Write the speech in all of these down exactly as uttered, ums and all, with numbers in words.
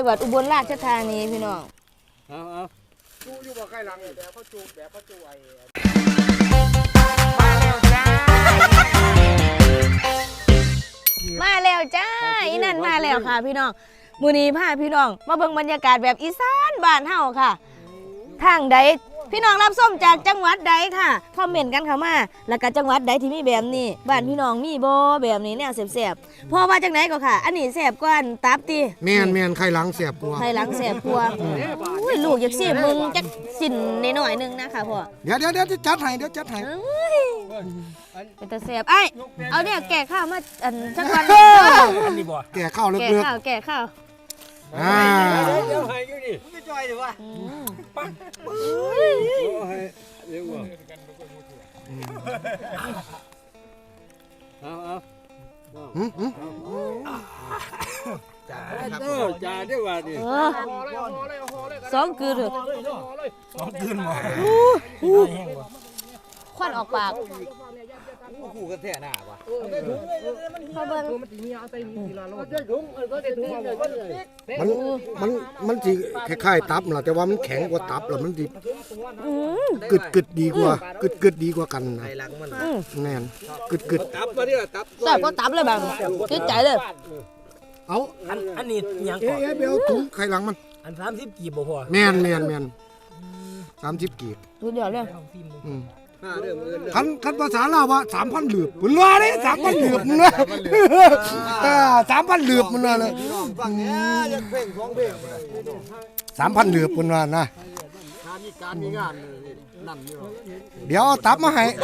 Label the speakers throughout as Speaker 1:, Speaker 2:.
Speaker 1: งหวัดอุบลราชธานีพี่น้อง
Speaker 2: เอาเอา
Speaker 3: จูอยู่บ่ใกล้หลังแบบเขาจูแบบเขาจูไอ้
Speaker 1: มาแล้วจ้าอีนั่นมาแล้วค่ะพี่น้องมื้อนี้พาพี่น้องมาเบิ่งบรรยากาศแบบอีสานบ้านเฮาค่ะทางใดพี่น้องรับส้มจากจังหวัดใดค่ะคอมเมนต์กันเข้ามาแล้วก็จังหวัดใดที่มีแบบนี้บ้านพี่น้องมีบ่แบบนี้แนวแซ่บๆพ่อว่าจังไหนก็ค่ะอันนี้แซ่บกว่าตับติ
Speaker 4: แม่นแม่นไข่หลังแซ่บกว่า
Speaker 1: ไข่หลังแซ่บกว่าอุ้ยลูกอยากสิมึงจักสินหน่อยๆนึงนะคะพ่อ
Speaker 4: เดี๋ยวเดี๋ยวเดี๋ยวจัดให้เดี๋ยวจัดให้
Speaker 1: เป็นตาแซ่บไอ้เอาเนี่ยแก่ข้าวมาอันจักวัน
Speaker 2: อันนี้บ่
Speaker 4: แก่ข้าวเลือก
Speaker 1: แก่ข้าวแก่ข้าว
Speaker 4: อ่า
Speaker 2: เดี๋ยวให้อยู่ดิ
Speaker 3: ไม่จ่อยดิวะ
Speaker 2: ปังโอ้ให้เดี๋ยวบ่เอาเอา
Speaker 4: หืมหืม
Speaker 2: จ่าเด้อจ่าเด้อว่าดิ
Speaker 1: สองคืนเลย
Speaker 2: สองคืนบ่
Speaker 1: ควันออกปาก
Speaker 3: คู่กันแท้หน้าว่ะ
Speaker 1: พอเบิ่ง
Speaker 4: มันมันมันสิคล้ายๆตับล่ะแต่ว่ามันแข็งกว่าตับแล้วมันสิกึดกึดดีกว่ากึดกึดดีกว่ากันนะแน่นกึดกึด
Speaker 2: ตับมาดิตับ
Speaker 1: แซ่บกว่าตับเลยแบบติดใจเลย
Speaker 4: เอา
Speaker 2: อันอันนี้ยังก่อน
Speaker 4: เอ๊ะไปเอาถุงไข่หลังมัน
Speaker 2: อันสามสิบกีบบ่พอ
Speaker 4: แม่นแม่นแม่นสามสิบกีบ
Speaker 1: สุดยอดเลย
Speaker 4: อืมคันคันภาษาลาวว่าสามพันหลืบมันว่าเลยสามพันหลืบมันว่าสามพันหลืบมันว่าเลยสามพันหลืบมันว่านะเดี๋ยวตับมาให้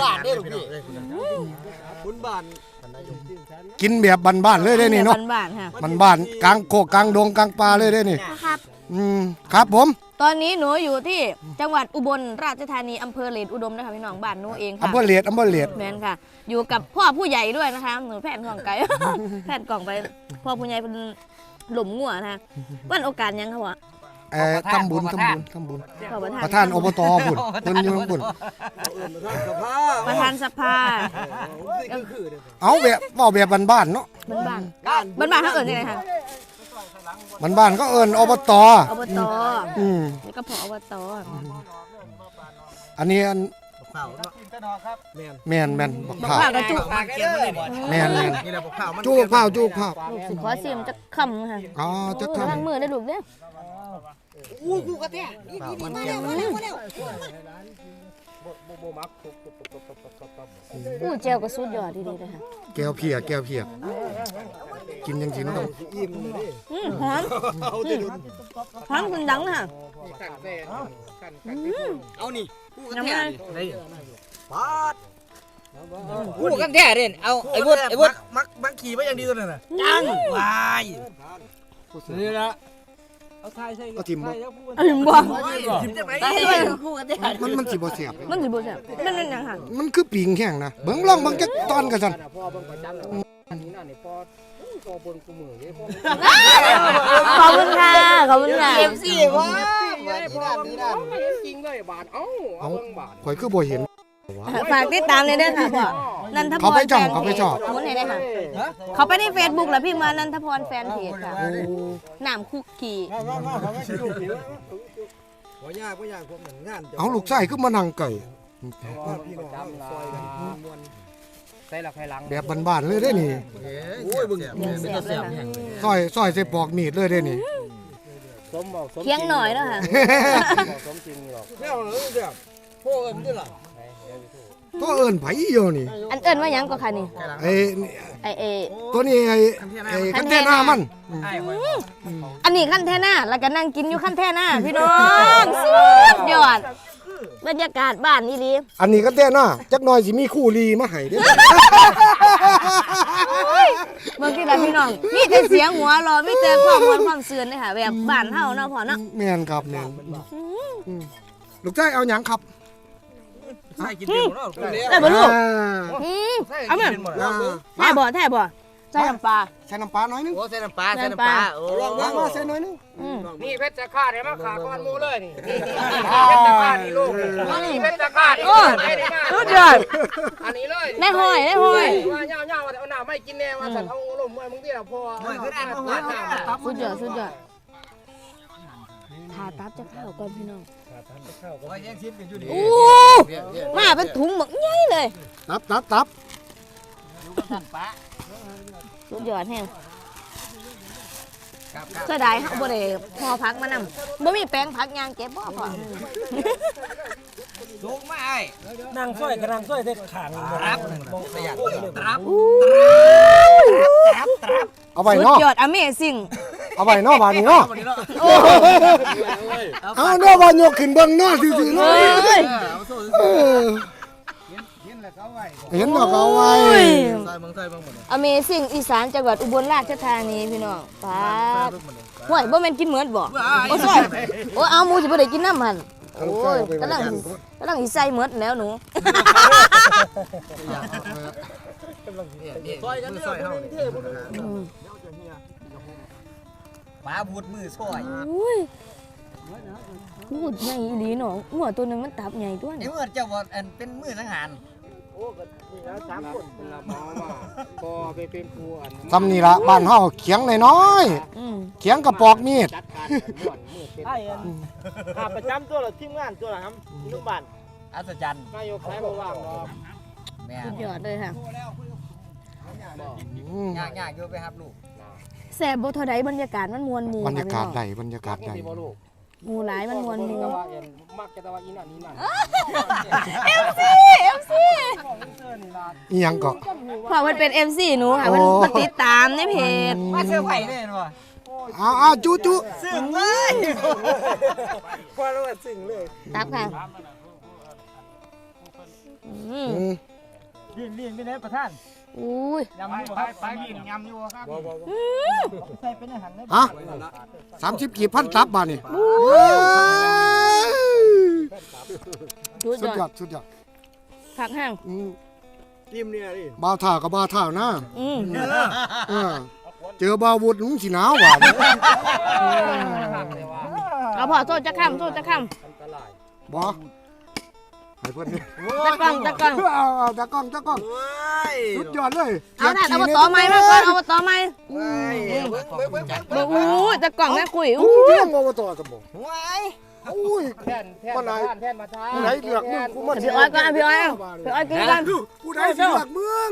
Speaker 4: กินแบบบ้านๆเลยได้นี่เนาะ
Speaker 1: บ้านๆค่ะ
Speaker 4: บ้านๆกลางโคกกลางดงกลางป่าเลยได้นี่
Speaker 1: ครับ
Speaker 4: อืมครับผม
Speaker 1: ตอนนี้หนูอยู่ที่จังหวัดอุบลราชธานีอำเภอเลดอุดมนะคะพี่น้องบ้านหนูเองค่ะ
Speaker 4: อำเภอเลดอำเภอเลด
Speaker 1: แม่นค่ะอยู่กับพ่อผู้ใหญ่ด้วยนะคะหนูแผ่นกล่องไก่แผ่นกล่องไปพ่อผู้ใหญ่เป็นหลุมงัวนะคะวันโอกาสยังคะวะ
Speaker 4: เอ่อทำบุญทำบุญทำบุญประธานอบตบุญเพิ่นอยู่ข้างบน
Speaker 1: ประธานสภา
Speaker 4: เอาแบบเว้าแบบบ้านๆเนาะ
Speaker 1: บ้านๆบ้านๆเขาเอิ้นยังไงคะ
Speaker 4: บ้านๆก็เอิ้นอบต
Speaker 1: อบตอืมนี่ก็พออบต
Speaker 4: อันนี้อันแม่นแม่นบักข้าว
Speaker 1: กระจุก
Speaker 4: แม่นแม่นจุกข้าวจุกข้าว
Speaker 1: สิขอซิมจักคำค่ะ
Speaker 4: อ๋อจักคำ
Speaker 1: ล้างมือได้ลูกเด้อ
Speaker 3: อู้กูกระแทกนี่ๆมาแล้วมาแล้วมาแล้ว
Speaker 1: อู้เจลก็สุดยอดดีๆเลยค่ะ
Speaker 4: แก้วเพียแก้วเพียกินจังซี่มันต้อง
Speaker 1: อืมหอมหอมคุณดังค่ะ
Speaker 3: เอานี่กูกระแทกปาด
Speaker 2: กูกันแท้เด่นเอาไอ้วุฒิไอ้วุฒิ
Speaker 3: มักมักขี่ไว้อย่างดีตัวนั้นน่ะ
Speaker 2: จังวายนี่ละเอาทายใส่
Speaker 4: เอาทิมบ่
Speaker 1: เอาทิมบ่
Speaker 3: ทิมจังได๋
Speaker 1: กูกระแทก
Speaker 4: มันมันสิบ่แซ่บ
Speaker 1: มันสิบ่แซ่บมันเป็นหยังค่ะ
Speaker 4: มันคือปิงแห้งนะเบิ่งลองเบิ่งจักตอนกันซั่น
Speaker 3: พ่อเบิ่งประจำแล้วอันนี้น่ะนี่พ่อพ่อบนกูมือเด้พ่อ
Speaker 1: ขอบคุณค่ะขอบคุณค่ะ
Speaker 3: เอฟ ซี ว่าพ่อนี่น่ะจริงเลยบาทเอ้าเอาเบิ่งบาท
Speaker 4: ข่อยคือบ่เห็น
Speaker 1: ฝากติดตามเลยเด้อค่ะพ่อนันทพร
Speaker 4: เขาไปจ่องเขาไปจ่อง
Speaker 1: มุนให้ได้ค่ะเขาไปใน Facebook แล้วพี่มานันทพรแฟนเพจค่ะน้ำคุกกี้
Speaker 3: บ่ยากบ่ยากผมงาน
Speaker 4: เอาลูกชายคือมานั่งไก่
Speaker 3: พี่น้องซอยกันม่วนใส่ละไผหลัง
Speaker 4: แบบบ้านๆเลยเด้นี่
Speaker 3: โอ้ยเบิ่งเป็นตาแซ่บแฮง
Speaker 4: ซอยซอยใส่ปอกมีดเลยเด้นี่
Speaker 3: สมบ่สม
Speaker 1: เคียงหน่อยแล้วค่ะ
Speaker 3: สมจริงหรอกแล้วเด้อเด้อพ่อเอิ้นได้ล่ะ
Speaker 4: ก็เอิ้นไผอยู่นี่
Speaker 1: อันเอิ้นว่าหยังก็ค่ะนี่
Speaker 4: ไอ้
Speaker 1: ไอ้เอ
Speaker 4: ตัวนี้ไอ้ไอ้คันแท่หน้ามัน
Speaker 1: อันนี้คันแท่หน้าแล้วก็นั่งกินอยู่คันแท่หน้าพี่น้องสุดยอดบรรยากาศบ้านนี่ดี
Speaker 4: อันนี้คันแท่หน้าจักหน่อยสิมีคู่ลีมาให้เด้อ
Speaker 1: เมื่อกี้ล่ะพี่น้องมีแต่เสียงหัวเราะมีแต่ความม่วนความซื่นเด้อค่ะแบบบ้านเฮาเนาะพ่อเนาะ
Speaker 4: แม่นครับแม่นลูกชายเอาหยังครับ
Speaker 3: ใส่กินเต็มแล้ว
Speaker 1: ได้บ่ลูกอือเอาแม่แท้บ่แท้บ่ใส่น้ำปลา
Speaker 4: ใส่น้ำปลาหน่อยนึง
Speaker 3: โอ้ใส่น้ำปลาใส่น้ำปลาโอ้
Speaker 4: ลองมาใส่หน่อยนึง
Speaker 3: นี่เพชรจะขาดให้มาขาก้อนหมูเลยนี่เพชรจะขาดนี่ลูกนี่เพชรจะขาดโอ้
Speaker 1: สุดยอด
Speaker 3: อันนี้เลย
Speaker 1: ได้ห้อยได้ห้อย
Speaker 3: ว่าเงาๆว่าเอาน้ำไม่กินแน่ว่าสัตว์เอาลมมวยมึงที่เราพอสุด
Speaker 1: ยอดสุดยอดตับจะข้าวก่อนพี่น้อง
Speaker 2: ว่าแย่งชิ้นกันอยู่นี่
Speaker 1: โอ้มาเป็นถุงหมึกใหญ่เลย
Speaker 4: ตับตับตับ
Speaker 1: สุดยอดแฮง
Speaker 2: ครับครับ
Speaker 1: เสียดายเฮาบ่ได้ห่อผักมานำบ่มีแป้งผักยางเก็บบ่พอ
Speaker 2: สูงมาไอ้
Speaker 3: นางสร้อยกับนางสร้อยได้ขาง
Speaker 2: ครับมองประหยัดตรับ
Speaker 4: เอาไว้
Speaker 1: สุด
Speaker 4: เนาะ
Speaker 1: ยอด Amazing
Speaker 4: เอาไว้เนาะบาดนี้เนาะเอาเนาะบาดยกขึ้นเบิ่งเนาะซื่อๆ
Speaker 1: เอ
Speaker 4: เนาะ
Speaker 1: ้ย
Speaker 4: เออ
Speaker 2: เห็นแล้วก็ไว้
Speaker 4: เห็นบ่ก็เอาไว้
Speaker 2: ใส่เมืองใส่เมืองหมดเลย
Speaker 1: Amazing อีสานจังหวัดอุบลราชธานีพี่น้องป๊าดห่วยบ่แม่นกินเหมือนบ่โอ้ซอยโอ้เอาหมูสิบ่ได้กินน้ำหั่นโอ้ยกำลังกำลังสิใส่เหมือนแล้วหนู
Speaker 2: ซอยกันซอยเฮาป้าบูดมือซอย
Speaker 1: อุ้ยพูดใหญ่อีหลีเนาะหัวตัวหนึงมันตับใหญ่ตัว
Speaker 2: ไอ้
Speaker 1: นี่
Speaker 2: เมื่อเจ้าว่าอันเป็นมือนังหาร
Speaker 3: โอ้ก็นี่แล้วสามคนละหมอมาพอไปเป็นครูอัน
Speaker 4: ทำนี่ละบ้านเฮาเขียงน้อย
Speaker 1: อืม
Speaker 4: ๆเขียงกระปอกมีด
Speaker 3: จัดการม่วนมือเป็นไอ้อันขาประจำตัวละทีมงานตัวละครับลูกบ้าน
Speaker 2: อัศจรรย์
Speaker 3: นายกใช้บ่ว่างเนาะ
Speaker 2: แม่
Speaker 1: สุดยอดเลยค่ะ
Speaker 4: อืม
Speaker 2: ยากยากอยู่ไปครับลูก
Speaker 1: แซ่บบ่เท่าใดบรรยากาศมันมวลหมู่
Speaker 4: บรรยากาศ
Speaker 1: ค่ะ
Speaker 4: ใดบรรยากาศใด
Speaker 3: ที่บ่ลูก
Speaker 1: หมู่หลายมันมวลหมู่
Speaker 3: แต่ว่าเอ็นมักแต่ว่าอีนั่นอีนั่น
Speaker 1: เอ็ม ซี เอ็ม ซี
Speaker 4: อีหยังก็
Speaker 1: เพราะมันเป็น เอ็ม ซี หนูค่ะมัน
Speaker 4: โอ้
Speaker 1: มันติดตามในเพจ
Speaker 2: มาเสื้อไผ่เนี่ยเนาะ
Speaker 4: เอาเอาจุจุ
Speaker 2: ซึ่งเลย
Speaker 3: พอแล้วว่าสิ่งเลย
Speaker 1: ตับค่ะอืม
Speaker 4: อืม
Speaker 3: ลีนลีนไปไหนประธาน
Speaker 1: อุ้ย
Speaker 3: ยำอยู่ครับไปลีนยำอยู่ครับใส่เป็นอาหารได้
Speaker 4: ฮะสามสิบกี่พันตับบาทนี่
Speaker 1: สุด
Speaker 4: สุด
Speaker 1: ย
Speaker 4: ย
Speaker 1: อ
Speaker 4: อ
Speaker 1: ด
Speaker 4: ดสุดยอด
Speaker 1: ผักแห้ง
Speaker 4: อืม
Speaker 3: จิ้มเนี่ยดิ
Speaker 4: บ่าวท่ากับบ่าวท่านะ
Speaker 1: อืม
Speaker 4: เออเจอบ่าววุฒิมึงสิหนาวหวาน
Speaker 1: เอาพอโทษจะค้ำโทษจะค้
Speaker 4: บ่ให้เพิ่นนี่
Speaker 1: ำตะกล้องตะกล้อง
Speaker 4: เอาเอาตะกล้องตะกล้องสุดยอดเลย
Speaker 1: เอาถ่านเอาต่อไม้มาก่อนเอาต่อไม้
Speaker 2: ว้ายเบิ้งเบิ้งเบิ้งจัด
Speaker 1: บอกอู้ตะกล้องแม่คุย
Speaker 4: อู้
Speaker 1: อู้
Speaker 4: เรื่องบ่ต่อสมบ่
Speaker 2: ว้าย
Speaker 4: อุ้ย
Speaker 3: แท่นแท่นมาทานแท่นมาทาน
Speaker 4: ผู้ใดเลือกมึงกูมัน
Speaker 1: พี่อ้อยก่อนพี่อ้อยเอาพี่อ้อยกินกัน
Speaker 4: ผู้ใดสิเลือกมึง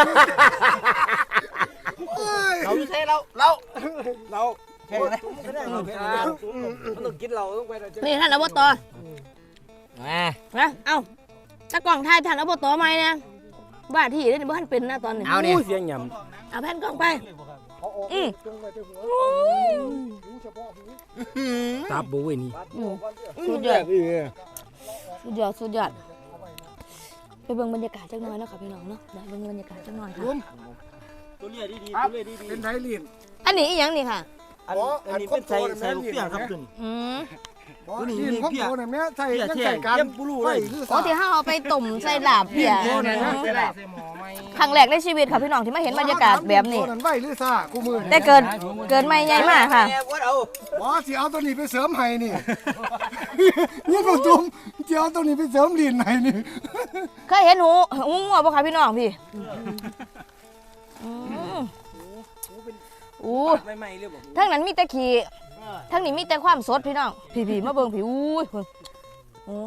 Speaker 4: โอ้ย
Speaker 2: เราไม่ใช่เราเราเราแข่งเลย
Speaker 3: มันต้องกินเราต้องไปเราจะ
Speaker 1: นี่ท่านอบต
Speaker 2: มา
Speaker 1: นะเอาตะกล้องถ่ายท่านอบตไหมเนี่ยบ้าที่นี่บ้านเป็นนะตอนนี้
Speaker 2: เอาเนี่ย
Speaker 3: เสียงหย
Speaker 1: เอาแผ่นกล้องไป
Speaker 4: เอาออก
Speaker 1: อืม
Speaker 4: จงไว้ที่หัวหูเฉพาะหู
Speaker 3: ำตาบุ้ยนี่
Speaker 1: อืมสุดยอดสุดยอดสุดยอดไปเบิ่งบรรยากาศจักหน่อยเนาะค่ะพี่น้องเนาะเดี๋ยวเบิ่งบรรยากาศจักหน่อยค่ะ
Speaker 3: ตัวเลียดีๆตัวเลียดี
Speaker 4: เป็นไทยลีน
Speaker 1: อันนี้อีหยังนี่ค่ะ
Speaker 3: ๆอันอันนี้เป็นใส่ใส่ลูกเปียกครับตัวนี้
Speaker 1: อืม
Speaker 4: บ่ลีนของโตน่ะแม่ใส่ยังใส่การไฟหรือ
Speaker 1: โอ้ที่ห้าเอาไปต้มใส่ลาบเพีย
Speaker 3: ใส่หมอไหม
Speaker 1: ครั้งแรกในชีวิตค่ะพี่น้องที่มาเห็นบรรยากาศแบบนี้
Speaker 4: โตนั้นไฟหรือซ่ากูมือ
Speaker 1: แต่เกินเกินไม่ใหญ่มากค่ะ
Speaker 2: แม่วัดเอา
Speaker 4: บ่สิเอาตัวนี้ไปเสริมให้นี่ นี่ก็จุ่มสิเอาตัวนี้ไปเสริมลีนให้นี่
Speaker 1: เคยเห็นหูหูงัวปะคะพี่น้องพี่อืมอู้
Speaker 3: ไม่ไม่เรียบบอก
Speaker 1: ทั้งนั้นมีแต่ขี้ทั้งนี้มีแต่ความสดพี่น้องพี่พี่มาเบิ่งพี่อู้ยเพิ่นโอ้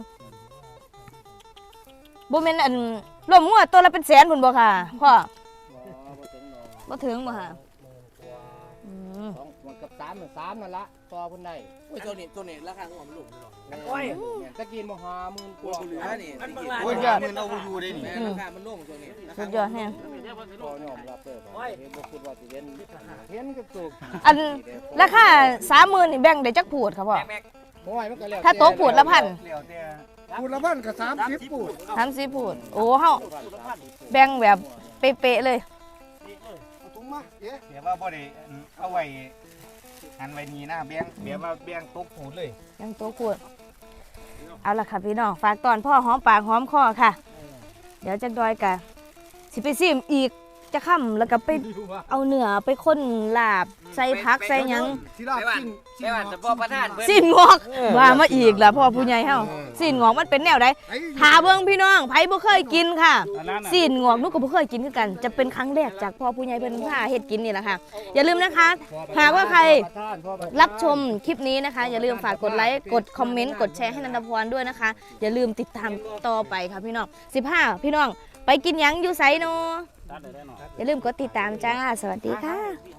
Speaker 1: บ่แม่นอันรวมงัวตัวละเป็นแสนพุ่นบ่ค่ะพ่อบ่ถึงบ่ค่ะอืม
Speaker 3: สองมันกับสามสามนั่นละต่อคนใด
Speaker 2: ตัวนี้ตัวนี้ราคาของมันลูก
Speaker 3: โอ้ยตะกินมหาหมื่นกว่า
Speaker 2: นี่
Speaker 1: สุดยอด
Speaker 2: มันเอาอยู่ได้นี่ราคามันลงตัวนี้
Speaker 1: สุดยอดแฮง
Speaker 3: พอยอมรับเลยเห็นบ่คิดว่าสิเห็นเห็นก็ตก
Speaker 1: อันราคาสามหมื่นนี่แบ่งได้จักพูดครับพ่อ
Speaker 3: โอ้ยมันก็แล้ว
Speaker 1: ถ้าโต๊ะพูดละพัน
Speaker 4: พูดละพันก็สามสิบพูด
Speaker 1: สามสิบพูดโอ้เฮาแบ่งแบบเป๊ะๆเลย
Speaker 4: เอาถุงมาเอ๊ะ
Speaker 5: เดี๋ยวว่าบ่ได้เอาไว้หันไว้นี่นะแบงเดี๋ยวว่าแบงตกหูเลย
Speaker 1: ยังโต๊ะพูดเอาล่ะค่ะพี่น้องฝากตอนพ่อหอมปากหอมคอค่ะ เดี๋ยวจักดอยกะสิไปซิมอีกจะค่ำแล้วก็ไปเอาเนื้อไปค้นลาบใส่ผักใส่หยัง
Speaker 4: ที่ลาบกิน
Speaker 3: ใช่ว่าแต่พ่อประธานเพิ่น
Speaker 1: สิ้นงอกว่ามาอีกล่ะพ่อผู้ใหญ่เฮาสิ้นงอกมันเป็นแนวใดถาเบิ่งพี่น้องไผบ่เคยกินค่ะสิ้นงอกหนูก็บ่เคยกินคือกันจะเป็นครั้งแรกจากพ่อผู้ใหญ่เพิ่นพาเฮ็ดกินนี่แหละค่ะอย่าลืมนะคะหากว่าใครรับชมคลิปนี้นะคะ อย่าลืมฝากกดไลค์กดคอมเมนต์กดแชร์ให้นันทพรด้วยนะคะ อย่าลืมติดตามต่อไปค่ะพี่น้องสิบห้าพี่น้องไปกินหยังอยู่ไสโนอย่าลืมกดติดตามจ้าสวัสดีค่ะ